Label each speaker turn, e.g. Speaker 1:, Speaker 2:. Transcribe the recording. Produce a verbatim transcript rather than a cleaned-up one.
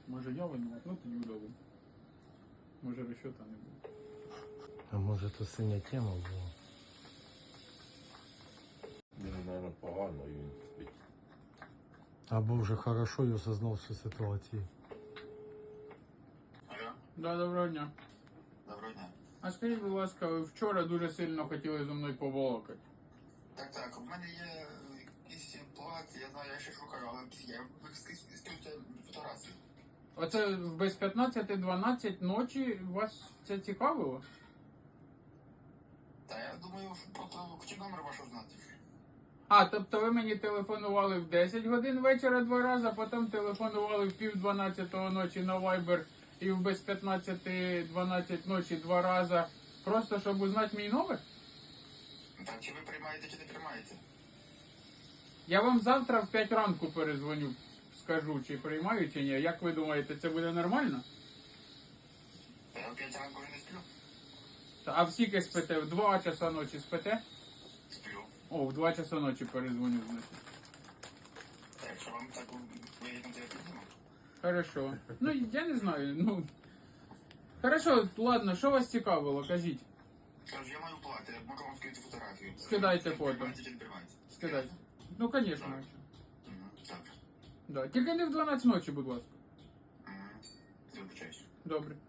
Speaker 1: Може я винуват, ну тоді удалив. Може розчета не буде.
Speaker 2: А може то синя тема була?
Speaker 3: Він, мабуть, погано і він спить.
Speaker 2: Або вже хорошо і осознав всю ситуацію.
Speaker 4: Алло,
Speaker 1: Да, доброго дня.
Speaker 4: доброго дня.
Speaker 1: А скажіть, будь ласка, ви вчора дуже сильно хотіли зі мною побалакати.
Speaker 4: Так, так, у мене є якісь ситуації, я знаю, я ще шукаю, але я скинуте фотографії.
Speaker 1: Оце без п'ятнадцяти дванадцять ночі вас це цікавило?
Speaker 4: Та я думаю, що просто хотів номер ваш узнати.
Speaker 1: А, тобто ви мені телефонували в десять годин вечора два рази, а потім телефонували в пів дванадцятого ночі на Viber і в без п'ятнадцяти дванадцять ночі два рази, просто щоб узнати мій номер?
Speaker 4: Так, чи ви приймаєте, чи не приймаєте?
Speaker 1: Я вам завтра в п'ять ранку перезвоню, скажу, чи приймаю, чи ні. Як ви думаєте, це буде нормально?
Speaker 4: Та я в п'ять ранку вже не сплю.
Speaker 1: Та, а в скільки спите? В два часа ночі спите?
Speaker 4: Сплю.
Speaker 1: О, в два часа ночі перезвоню, значить.
Speaker 4: Так, якщо вам так вигідно, то я підніму.
Speaker 1: Хорошо. Ну, я не знаю, ну... Хорошо, ладно, що вас цікавило, кажіть.
Speaker 4: Кажу, я маю плати, я можу вам скинути фотографію.
Speaker 1: Скидайте
Speaker 4: Чи
Speaker 1: фото.
Speaker 4: приймаєте, чи не приймаєте?
Speaker 1: Скидайте. Ну, звісно.
Speaker 4: Мгм, так.
Speaker 1: Да. Тільки не в дванадцять ночі, будь ласка.
Speaker 4: Мгм. Вибачаюсь.
Speaker 1: Добре.